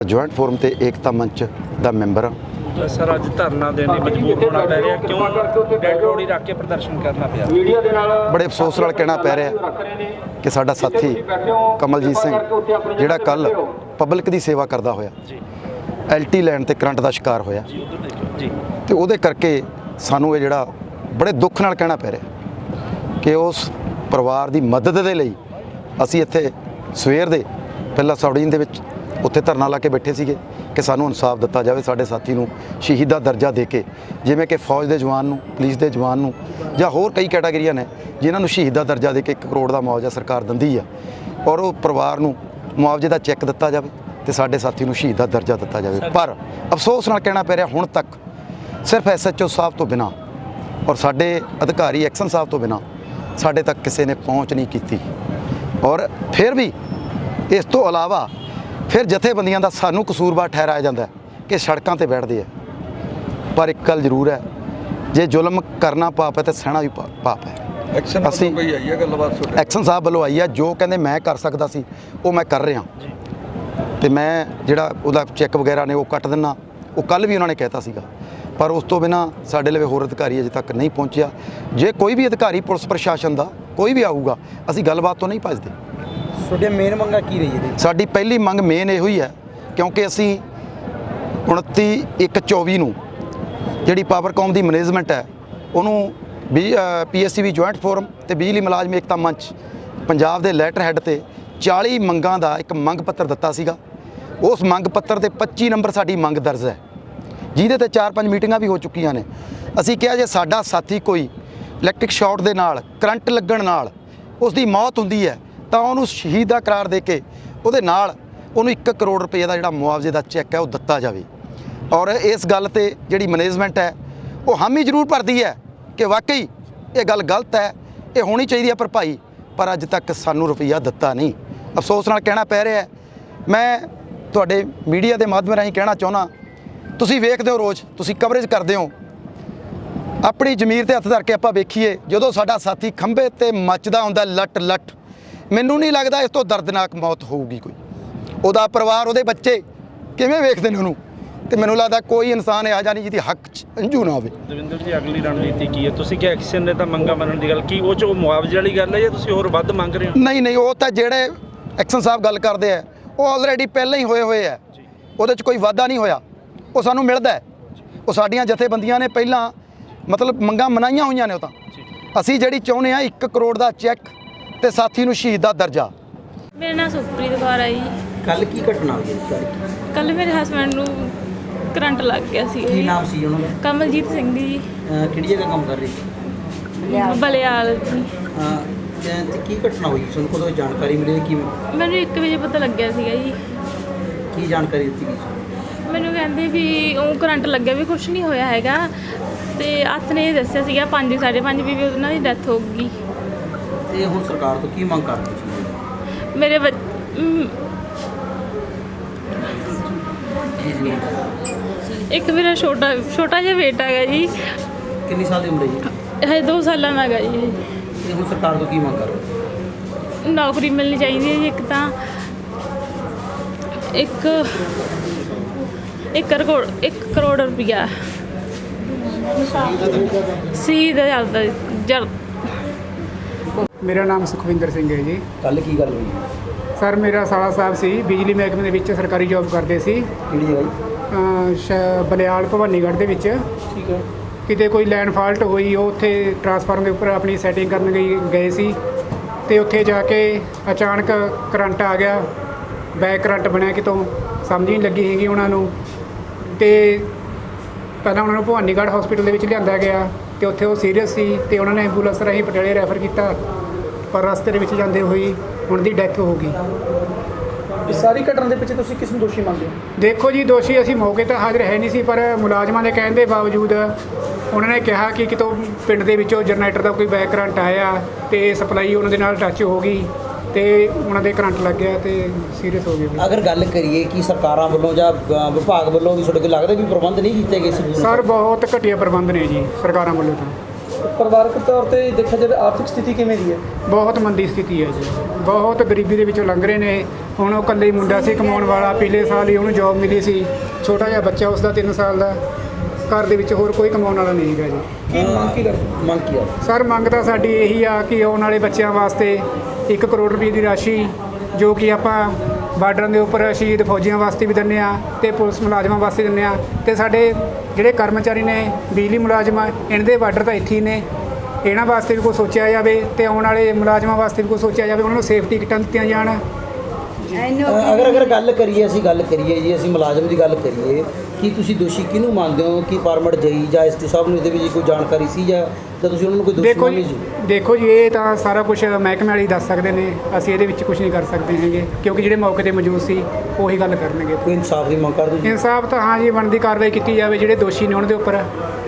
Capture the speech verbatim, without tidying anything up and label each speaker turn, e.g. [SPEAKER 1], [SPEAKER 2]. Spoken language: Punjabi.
[SPEAKER 1] ਜੁਆਇੰਟ ਫੋਰਮ ਤੇ ਏਕਤਾ ਮੰਚ ਦਾ ਮੈਂਬਰ ਹਾਂ।
[SPEAKER 2] ਸਰ ਅੱਜ ਧਰਨਾ ਦੇਣ ਲਈ ਮਜਬੂਰ ਹੋਣਾ ਪੈ ਰਿਹਾ, ਕਿਉਂ ਡੈਡ ਬੋਡੀ ਰੱਖ ਕੇ ਪ੍ਰਦਰਸ਼ਨ ਕਰਨਾ ਪਿਆ?
[SPEAKER 1] ਬੜੇ ਅਫਸੋਸ ਨਾਲ ਕਹਿਣਾ ਪੈ ਰਿਹਾ ਕਿ ਸਾਡਾ ਸਾਥੀ ਕਮਲਜੀਤ ਸਿੰਘ ਜਿਹੜਾ ਕੱਲ ਪਬਲਿਕ ਦੀ ਸੇਵਾ ਕਰਦਾ ਹੋਇਆ ਐਲਟੀ ਲੈਣ ਤੇ ਕਰੰਟ ਦਾ ਸ਼ਿਕਾਰ ਹੋਇਆ
[SPEAKER 2] ਜੀ,
[SPEAKER 1] ਤੇ ਉਹਦੇ ਕਰਕੇ ਸਾਨੂੰ ਇਹ ਜਿਹੜਾ ਬੜੇ ਦੁੱਖ ਨਾਲ ਕਹਿਣਾ ਪੈ ਰਿਹਾ ਕਿ ਉਸ ਪਰਿਵਾਰ ਦੀ ਮਦਦ ਦੇ ਲਈ ਅਸੀਂ ਇੱਥੇ ਸਵੇਰ ਦੇ ਪਹਿਲਾਂ ਸਬਡਿਵੀਜ਼ਨ ਦੇ ਵਿੱਚ ਉੱਥੇ ਧਰਨਾ ਲਾ ਕੇ ਬੈਠੇ ਸੀਗੇ ਕਿ ਸਾਨੂੰ ਇਨਸਾਫ ਦਿੱਤਾ ਜਾਵੇ, ਸਾਡੇ ਸਾਥੀ ਨੂੰ ਸ਼ਹੀਦ ਦਾ ਦਰਜਾ ਦੇ ਕੇ, ਜਿਵੇਂ ਕਿ ਫੌਜ ਦੇ ਜਵਾਨ ਨੂੰ, ਪੁਲਿਸ ਦੇ ਜਵਾਨ ਨੂੰ ਜਾਂ ਹੋਰ ਕਈ ਕੈਟਾਗਰੀਆਂ ਨੇ ਜਿਨ੍ਹਾਂ ਨੂੰ ਸ਼ਹੀਦ ਦਾ ਦਰਜਾ ਦੇ ਕੇ ਇੱਕ ਕਰੋੜ ਦਾ ਮੁਆਵਜ਼ਾ ਸਰਕਾਰ ਦਿੰਦੀ ਆ, ਔਰ ਉਹ ਪਰਿਵਾਰ ਨੂੰ ਮੁਆਵਜ਼ੇ ਦਾ ਚੈੱਕ ਦਿੱਤਾ ਜਾਵੇ ਤੇ ਸਾਡੇ ਸਾਥੀ ਨੂੰ ਸ਼ਹੀਦ ਦਾ ਦਰਜਾ ਦਿੱਤਾ ਜਾਵੇ। ਪਰ ਅਫਸੋਸ ਨਾਲ ਕਹਿਣਾ ਪੈ ਰਿਹਾ ਹੁਣ ਤੱਕ ਸਿਰਫ ਐਸ ਐਚ ਓ ਸਾਹਿਬ ਤੋਂ ਬਿਨਾਂ ਔਰ ਸਾਡੇ ਅਧਿਕਾਰੀ ਐਕਸ਼ਨ ਸਾਹਿਬ ਤੋਂ ਬਿਨਾਂ ਸਾਡੇ ਤੱਕ ਕਿਸੇ ਨੇ ਪਹੁੰਚ ਨਹੀਂ ਕੀਤੀ। ਔਰ ਫਿਰ ਵੀ ਇਸ ਤੋਂ ਇਲਾਵਾ ਫਿਰ ਜਥੇਬੰਦੀਆਂ ਦਾ ਸਾਨੂੰ ਕਸੂਰਵਾਰ ਠਹਿਰਾਇਆ ਜਾਂਦਾ ਕਿ ਸੜਕਾਂ ਤੇ ਬੈਠਦੇ ਆ। ਪਰ ਇੱਕ ਗੱਲ ਜ਼ਰੂਰ ਹੈ, ਜੇ ਜ਼ੁਲਮ ਕਰਨਾ ਪਾਪ ਹੈ ਤਾਂ ਸਹਿਣਾ ਵੀ ਪਾਪ ਹੈ।
[SPEAKER 3] ਐਕਸ਼ਨ ਅਸੀਂ ਕੋਈ ਆਈ ਹੈ ਗੱਲਬਾਤ ਸੁਣ
[SPEAKER 1] ਐਕਸ਼ਨ ਸਾਹਿਬ ਵੱਲੋਂ ਆਈ ਹੈ, ਜੋ ਕਹਿੰਦੇ ਮੈਂ ਕਰ ਸਕਦਾ ਸੀ ਉਹ ਮੈਂ ਕਰ ਰਿਹਾ ਤੇ ਮੈਂ ਜਿਹੜਾ ਉਹਦਾ ਚੈੱਕ ਵਗੈਰਾ ਨੇ ਉਹ ਕੱਟ ਦਿੰਨਾ, ਉਹ ਕੱਲ ਵੀ ਉਹਨਾਂ ਨੇ ਕਹਿਤਾ ਸੀਗਾ। ਪਰ ਉਸ ਤੋਂ ਬਿਨਾਂ ਸਾਡੇ ਲਈ ਹੋਰ ਅਧਿਕਾਰੀ ਅਜੇ ਤੱਕ ਨਹੀਂ ਪਹੁੰਚਿਆ। ਜੇ ਕੋਈ ਵੀ ਅਧਿਕਾਰੀ ਪੁਲਿਸ ਪ੍ਰਸ਼ਾਸਨ ਦਾ ਕੋਈ ਵੀ ਆਊਗਾ, ਅਸੀਂ ਗੱਲਬਾਤ ਤੋਂ ਨਹੀਂ ਭੱਜਦੇ।
[SPEAKER 2] ਤੁਹਾਡੀਆਂ ਮੇਨ ਮੰਗਾਂ ਕੀ ਰਹੀ ਹੈ?
[SPEAKER 1] ਸਾਡੀ ਪਹਿਲੀ ਮੰਗ ਮੇਨ ਇਹੋ ਹੀ ਹੈ, ਕਿਉਂਕਿ ਅਸੀਂ ਉਨੱਤੀ ਇੱਕ ਚੌਵੀ ਨੂੰ ਜਿਹੜੀ ਪਾਵਰਕੌਮ ਦੀ ਮੈਨੇਜਮੈਂਟ ਹੈ ਉਹਨੂੰ ਵੀ ਪੀ ਐਸ ਸੀ ਵੀ ਜੁਆਇੰਟ ਫੋਰਮ ਤੇ ਬਿਜਲੀ ਮੁਲਾਜ਼ਮ ਏਕਤਾ ਮੰਚ ਪੰਜਾਬ ਦੇ ਲੈਟਰ ਹੈੱਡ ਤੇ ਚਾਲੀ ਮੰਗਾਂ ਦਾ ਇੱਕ ਮੰਗ ਪੱਤਰ ਦਿੱਤਾ ਸੀਗਾ। ਉਸ ਮੰਗ ਪੱਤਰ ਦੇ ਪੱਚੀ ਨੰਬਰ ਸਾਡੀ ਮੰਗ ਦਰਜ ਹੈ, ਜਿਹਦੇ ਤੇ ਚਾਰ ਪੰਜ ਮੀਟਿੰਗਾਂ ਵੀ ਹੋ ਚੁੱਕੀਆਂ ਨੇ। ਅਸੀਂ ਕਿਹਾ ਜੇ ਸਾਡਾ ਸਾਥੀ ਕੋਈ ਇਲੈਕਟ੍ਰਿਕ ਸ਼ਾਰਟ ਦੇ ਨਾਲ, ਕਰੰਟ ਲੱਗਣ ਨਾਲ ਉਸ ਦੀ ਮੌਤ ਹੁੰਦੀ ਹੈ ਤਾਂ ਉਹਨੂੰ ਸ਼ਹੀਦ ਦਾ ਕਰਾਰ ਦੇ ਕੇ ਉਹਦੇ ਨਾਲ ਉਹਨੂੰ ਇੱਕ ਕਰੋੜ ਰੁਪਏ ਦਾ ਜਿਹੜਾ ਮੁਆਵਜ਼ੇ ਦਾ ਚੈੱਕ ਹੈ ਉਹ ਦਿੱਤਾ ਜਾਵੇ। ਔਰ ਇਸ ਗੱਲ ਤੇ ਜਿਹੜੀ ਮੈਨੇਜਮੈਂਟ ਹੈ ਉਹ ਹਾਮੀ ਜ਼ਰੂਰ ਭਰਦੀ ਹੈ ਕਿ ਵਾਕਈ ਇਹ ਗੱਲ ਗਲਤ ਹੈ, ਇਹ ਹੋਣੀ ਚਾਹੀਦੀ ਹੈ ਭਰਪਾਈ, ਪਰ ਅੱਜ ਤੱਕ ਸਾਨੂੰ ਰੁਪਈਆ ਦਿੱਤਾ ਨਹੀਂ। ਅਫਸੋਸ ਨਾਲ ਕਹਿਣਾ ਪੈ ਰਿਹਾ। ਮੈਂ ਤੁਹਾਡੇ ਮੀਡੀਆ ਦੇ ਮਾਧਿਅਮ ਰਾਹੀਂ ਕਹਿਣਾ ਚਾਹੁੰਦਾ, ਤੁਸੀਂ ਵੇਖਦੇ ਹੋ ਰੋਜ਼, ਤੁਸੀਂ ਕਵਰੇਜ ਕਰਦੇ ਹੋ, ਆਪਣੀ ਜ਼ਮੀਰ ਤੇ ਹੱਥ ਧਰ ਕੇ ਆਪਾਂ ਵੇਖੀਏ ਜਦੋਂ ਸਾਡਾ ਸਾਥੀ ਖੰਭੇ ਤੇ ਮੱਚਦਾ ਹੁੰਦਾ ਲੱਟ ਲੱਟ, ਮੈਨੂੰ ਨਹੀਂ ਲੱਗਦਾ ਇਸ ਤੋਂ ਦਰਦਨਾਕ ਮੌਤ ਹੋਊਗੀ ਕੋਈ। ਉਹਦਾ ਪਰਿਵਾਰ, ਉਹਦੇ ਬੱਚੇ ਕਿਵੇਂ ਵੇਖਦੇ ਨੇ ਉਹਨੂੰ, ਤੇ ਮੈਨੂੰ ਲੱਗਦਾ ਕੋਈ ਇਨਸਾਨ ਇਹੋ ਜਿਹਾ ਨਹੀਂ ਜਿਹਦੀ ਹੱਕ 'ਚ ਅੰਜੂ ਨਾ ਹੋਵੇ।
[SPEAKER 2] ਦਵਿੰਦਰ ਜੀ, ਅਗਲੀ ਰਣਨੀਤੀ ਕੀ ਹੈ? ਤੁਸੀਂ ਕਿ ਐਕਸ਼ਨ ਨੇ ਤਾਂ ਮੰਗਾਂ ਮੰਨਣ ਦੀ ਗੱਲ ਕੀ, ਉਹ 'ਚ ਉਹ ਮੁਆਵਜ਼ੇ ਵਾਲੀ ਗੱਲ ਹੈ ਜਾਂ ਤੁਸੀਂ ਹੋਰ ਵੱਧ ਮੰਗ ਰਹੇ ਹੋ?
[SPEAKER 1] ਨਹੀਂ ਨਹੀਂ, ਉਹ ਤਾਂ ਜਿਹੜੇ ਐਕਸ਼ਨ ਸਾਹਿਬ ਗੱਲ ਕਰਦੇ ਆ ਉਹ ਆਲਰੇਡੀ ਪਹਿਲਾਂ ਹੀ ਹੋਏ ਹੋਏ ਆ, ਉਹਦੇ 'ਚ ਕੋਈ ਵਾਧਾ ਨਹੀਂ ਹੋਇਆ, ਉਹ ਸਾਨੂੰ ਮਿਲਦਾ। ਉਹ ਸਾਡੀਆਂ ਜਥੇਬੰਦੀਆਂ ਨੇ ਪਹਿਲਾਂ ਮਤਲਬ ਮੰਗਾਂ ਮਨਾਈਆਂ ਹੋਈਆਂ ਨੇ। ਉਹ ਤਾਂ ਅਸੀਂ ਜਿਹੜੀ ਚਾਹੁੰਦੇ ਆ ਇੱਕ ਕਰੋੜ ਦਾ ਚੈੱਕ ਤੇ ਸਾਥੀ ਨੂੰ ਸ਼ਹੀਦ ਦਾ ਦਰਜਾ।
[SPEAKER 4] ਮੇਰਾ ਨਾਮ ਸੁਖਪ੍ਰੀਤ ਕੌਰ ਹੈ ਜੀ।
[SPEAKER 5] ਕੱਲ ਕੀ ਘਟਨਾ ਹੋਈ ਹੈ?
[SPEAKER 4] ਕੱਲ ਮੇਰੇ ਹਸਬੈਂਡ ਨੂੰ ਕਰੰਟ ਲੱਗ ਗਿਆ ਸੀ।
[SPEAKER 5] ਕੀ ਨਾਮ ਸੀ ਉਹਨਾਂ ਦਾ?
[SPEAKER 4] ਕਮਲਜੀਤ ਸਿੰਘ ਜੀ।
[SPEAKER 5] ਅਹ ਕਿਹੜੀ ਜਗ੍ਹਾ ਕੰਮ ਕਰ ਰਹੀ ਸੀ?
[SPEAKER 4] ਬਲਿਆਲ ਜੀ।
[SPEAKER 5] ਅਹ ਤੇ ਤੇ ਕੀ ਘਟਨਾ ਹੋਈ? ਤੁਹਾਨੂੰ ਕਦੋਂ ਜਾਣਕਾਰੀ ਮਿਲੀ? ਕੀ
[SPEAKER 4] ਮੈਨੂੰ ਇੱਕ ਵਜੇ ਪਤਾ ਲੱਗਿਆ ਸੀਗਾ ਜੀ।
[SPEAKER 5] ਕੀ ਜਾਣਕਾਰੀ ਦਿੱਤੀ ਗਈ?
[SPEAKER 4] ਮੈਨੂੰ ਕਹਿੰਦੇ ਵੀ ਉਹ ਕਰੰਟ ਲੱਗਿਆ, ਵੀ ਕੁਛ ਨਹੀਂ ਹੋਇਆ ਹੈਗਾ, ਤੇ ਹੱਥ ਨੇ ਇਹ ਦੱਸਿਆ ਸੀਗਾ ਪੰਜ ਸਾਢੇ ਪੰਜ ਵੀ ਉਹਨਾਂ ਦੀ ਡੈਥ ਹੋ ਗਈ।
[SPEAKER 5] ਤੇ ਹੁਣ ਸਰਕਾਰ ਤੋਂ ਕੀ ਮੰਗ ਕਰਦੇ ਸੀ?
[SPEAKER 4] ਮੇਰੇ ਬੱਚ- ਮ, ਇੱਕ ਮੇਰਾ ਛੋਟਾ ਛੋਟਾ ਜਿਹਾ ਬੇਟਾ ਹੈਗਾ ਜੀ।
[SPEAKER 5] ਕਿੰਨੀ ਸਾਲ ਦੀ ਉਮਰ ਹੈ ਜੀ?
[SPEAKER 4] ਹਜੇ ਦੋ ਸਾਲਾਂ ਦਾ ਹੈਗਾ ਜੀ।
[SPEAKER 5] ਤੇ ਹੁਣ ਸਰਕਾਰ ਤੋਂ ਕੀ ਮੰਗ ਕਰ ਰਹੇ?
[SPEAKER 4] ਨੌਕਰੀ ਮਿਲਣੀ ਚਾਹੀਦੀ ਹੈ ਜੀ। ਇੱਕ ਤਾਂ ਇੱਕ ਇੱਕ ਕਰੋੜ ਇੱਕ ਕਰੋੜ ਰੁਪਈਆ ਸੀ ਦਾ ਚੱਲਦਾ ਜਲ।
[SPEAKER 6] ਮੇਰਾ ਨਾਮ ਸੁਖਵਿੰਦਰ ਸਿੰਘ ਹੈ ਜੀ।
[SPEAKER 5] ਕੱਲ ਕੀ ਗੱਲ ਹੋਈ?
[SPEAKER 6] ਸਰ, ਮੇਰਾ ਸਾਲਾ ਸਾਹਿਬ ਸੀ, ਬਿਜਲੀ ਮਹਿਕਮੇ ਦੇ ਵਿੱਚ ਸਰਕਾਰੀ ਜੌਬ ਕਰਦੇ ਸੀ।
[SPEAKER 5] ਕਿਹੜੀ ਜਗ੍ਹਾ ਜੀ?
[SPEAKER 6] ਅਹ ਸ਼ ਬਲਿਆਲ ਭਵਾਨੀਗੜ੍ਹ ਦੇ ਵਿੱਚ।
[SPEAKER 5] ਠੀਕ ਹੈ।
[SPEAKER 6] ਕਿਤੇ ਕੋਈ ਲਾਈਨ ਫਾਲਟ ਹੋਈ, ਉਹ ਉੱਥੇ ਟਰਾਂਸਫਾਰਮਰ ਦੇ ਉੱਪਰ ਆਪਣੀ ਸੈਟਿੰਗ ਕਰਨ ਗਈ ਗਏ ਸੀ ਤੇ ਉੱਥੇ ਜਾ ਕੇ ਅਚਾਨਕ ਕਰੰਟ ਆ ਗਿਆ। ਬੈਕ ਕਰੰਟ ਬਣਿਆ, ਕਿਤੋਂ ਸਮਝ ਨਹੀਂ ਲੱਗੀ ਹੈਗੀ ਉਹਨਾਂ ਨੂੰ। ਤੇ ਪਹਿਲਾਂ ਉਹਨਾਂ ਨੂੰ ਭਵਾਨੀਗੜ੍ਹ ਹਸਪੀਟਲ ਦੇ ਵਿੱਚ ਲਿਆਂਦਾ ਗਿਆ ਤੇ ਉੱਥੇ ਉਹ ਸੀਰੀਅਸ ਸੀ ਤੇ ਉਹਨਾਂ ਨੇ ਐਂਬੂਲੈਂਸ ਰਾਹੀਂ ਪਟਿਆਲੇ ਰੈਫਰ ਕੀਤਾ, ਪਰ ਰਸਤੇ ਦੇ ਵਿੱਚ ਜਾਂਦੇ ਹੋਈ ਉਹਨਾਂ ਦੀ ਡੈਥ ਹੋ ਗਈ।
[SPEAKER 2] ਇਸ ਸਾਰੀ ਘਟਨਾ ਦੇ ਪਿੱਛੇ ਤੁਸੀਂ ਕਿਸ ਨੂੰ ਦੋਸ਼ੀ ਮੰਨਦੇ ਹੋ?
[SPEAKER 6] ਦੇਖੋ ਜੀ, ਦੋਸ਼ੀ ਅਸੀਂ ਮੌਕੇ ਤਾਂ ਹਾਜ਼ਰ ਹੈ ਨਹੀਂ ਸੀ, ਪਰ ਮੁਲਾਜ਼ਮਾਂ ਦੇ ਕਹਿਣ ਦੇ ਬਾਵਜੂਦ ਉਹਨਾਂ ਨੇ ਕਿਹਾ ਕਿ ਕਿਤੋਂ ਪਿੰਡ ਦੇ ਵਿੱਚੋਂ ਜਨਰੇਟਰ ਦਾ ਕੋਈ ਬੈਕ ਕਰੰਟ ਆਇਆ ਤੇ ਸਪਲਾਈ ਉਹਨਾਂ ਦੇ ਨਾਲ ਟੱਚ ਹੋ ਗਈ ਤੇ ਉਹਨਾਂ ਦੇ ਕਰੰਟ ਲੱਗ ਗਿਆ ਤੇ ਸੀਰੀਅਸ ਹੋ ਗਏ।
[SPEAKER 5] ਅਗਰ ਗੱਲ ਕਰੀਏ ਕਿ ਸਰਕਾਰਾਂ ਵੱਲੋਂ ਜਾਂ ਅਹ ਵਿਭਾਗ ਵੱਲੋਂ ਵੀ ਤੁਹਾਡੇ ਕੋਲ ਲੱਗਦਾ ਵੀ ਪ੍ਰਬੰਧ ਨਹੀਂ ਕੀਤੇ ਗਏ ਸੀ?
[SPEAKER 6] ਸਰ, ਬਹੁਤ ਘਟੀਆ ਪ੍ਰਬੰਧ ਨੇ ਜੀ ਸਰਕਾਰਾਂ ਵੱਲੋਂ ਤਾਂ।
[SPEAKER 7] ਪਰਿਵਾਰਕ ਤੌਰ ਤੇ ਦੇਖਿਆ ਜਾਵੇ ਆਰਥਿਕ ਸਥਿਤੀ ਕਿਵੇਂ ਦੀ ਹੈ?
[SPEAKER 6] ਬਹੁਤ ਮੰਦੀ ਸਥਿਤੀ ਹੈ ਜੀ, ਬਹੁਤ ਗਰੀਬੀ ਦੇ ਵਿੱਚੋਂ ਲੰਘ ਰਹੇ ਨੇ। ਹੁਣ ਉਹ ਇਕੱਲੇ ਹੀ ਮੁੰਡਾ ਸੀ ਕਮਾਉਣ ਵਾਲਾ, ਪਿਛਲੇ ਸਾਲ ਹੀ ਉਹਨੂੰ ਜੌਬ ਮਿਲੀ ਸੀ, ਛੋਟਾ ਜਿਹਾ ਬੱਚਾ ਉਸਦਾ ਤਿੰਨ ਸਾਲ ਦਾ, ਘਰ ਦੇ ਵਿੱਚ ਹੋਰ ਕੋਈ ਕਮਾਉਣ ਵਾਲਾ ਨਹੀਂ ਹੈਗਾ ਜੀ।
[SPEAKER 7] ਕੀ ਮੰਗ ਕੀ ਕਰਦੇ?
[SPEAKER 5] ਮੰਗ ਕੀ ਆ?
[SPEAKER 6] ਸਰ ਮੰਗ ਤਾਂ ਸਾਡੀ ਇਹੀ ਆ ਕਿ ਆਉਣ ਵਾਲੇ ਬੱਚਿਆਂ ਵਾਸਤੇ ਇੱਕ ਕਰੋੜ ਰੁਪਏ ਦੀ ਰਾਸ਼ੀ ਜੋ ਕਿ ਆਪਾਂ ਬਾਰਡਰਾਂ ਦੇ ਉੱਪਰ ਸ਼ਹੀਦ ਫੌਜੀਆਂ ਵਾਸਤੇ ਵੀ ਦਿੰਦੇ ਆ ਤੇ ਪੁਲਿਸ ਮੁਲਾਜ਼ਮਾਂ ਵਾਸਤੇ ਦਿੰਦੇ ਆ, ਤੇ ਸਾਡੇ ਜਿਹੜੇ ਕਰਮਚਾਰੀ ਨੇ ਬਿਜਲੀ ਮੁਲਾਜ਼ਮ ਆ ਇਹਨਾਂ ਦੇ ਬਾਰਡਰ ਤਾਂ ਇੱਥੇ ਹੀ ਨੇ, ਇਹਨਾਂ ਵਾਸਤੇ ਵੀ ਕੁਛ ਸੋਚਿਆ ਜਾਵੇ ਤੇ ਆਉਣ ਵਾਲੇ ਮੁਲਾਜ਼ਮਾਂ ਵਾਸਤੇ ਵੀ ਕੁਛ ਸੋਚਿਆ ਜਾਵੇ, ਉਹਨਾਂ ਨੂੰ ਸੇਫਟੀ ਕਿੱਟਾਂ ਦਿੱਤੀਆਂ ਜਾਣ।
[SPEAKER 5] ਅਗਰ ਅਗਰ ਗੱਲ ਕਰੀਏ ਅਸੀਂ ਗੱਲ ਕਰੀਏ ਜੀ ਅਸੀਂ ਮੁਲਾਜ਼ਮ ਦੀ ਗੱਲ ਕਰੀਏ ਕਿ ਤੁਸੀਂ ਦੋਸ਼ੀ ਕਿਹਨੂੰ ਮੰਨਦੇ ਹੋ ਕਿ ਫਾਰਮਰ ਜਈ ਜਾਂ ਐਸਟੀ ਸਾਹਿਬ ਨੂੰ ਇਹਦੇ ਵਿੱਚ ਕੋਈ ਜਾਣਕਾਰੀ ਸੀ ਜਾਂ ਜਾਂ ਤੁਸੀਂ ਉਹਨਾਂ ਨੂੰ ਕੋਈ ਦੋਸ਼ੀ
[SPEAKER 6] ਦੇਖੋ
[SPEAKER 5] ਮੰਨਦੇ
[SPEAKER 6] ਜੀ
[SPEAKER 5] ਸੀ?
[SPEAKER 6] ਦੇਖੋ ਜੀ ਇਹ ਤਾਂ ਸਾਰਾ ਕੁਝ ਮਹਿਕਮੇ ਵਾਲੇ ਹੀ ਦੱਸ ਸਕਦੇ ਨੇ, ਅਸੀਂ ਇਹਦੇ ਵਿੱਚ ਕੁਝ ਨਹੀਂ ਕਰ ਸਕਦੇ ਹੈਗੇ ਕਿਉਂਕਿ ਜਿਹੜੇ ਮੌਕੇ ਤੇ ਮੌਜੂਦ ਸੀ ਉਹੀ ਗੱਲ ਕਰਨਗੇ।
[SPEAKER 5] ਕੋਈ ਇਨਸਾਫ ਦੀ ਮੰਗ ਕਰਦੇ ਜੀ?
[SPEAKER 6] ਇਨਸਾਫ ਤਾਂ ਹਾਂ ਜੀ ਬਣਦੀ ਕਾਰਵਾਈ ਕੀਤੀ ਜਾਵੇ, ਜਿਹੜੇ ਦੋਸ਼ੀ ਨੇ ਉਹਨਾਂ ਦੇ ਉੱਪਰ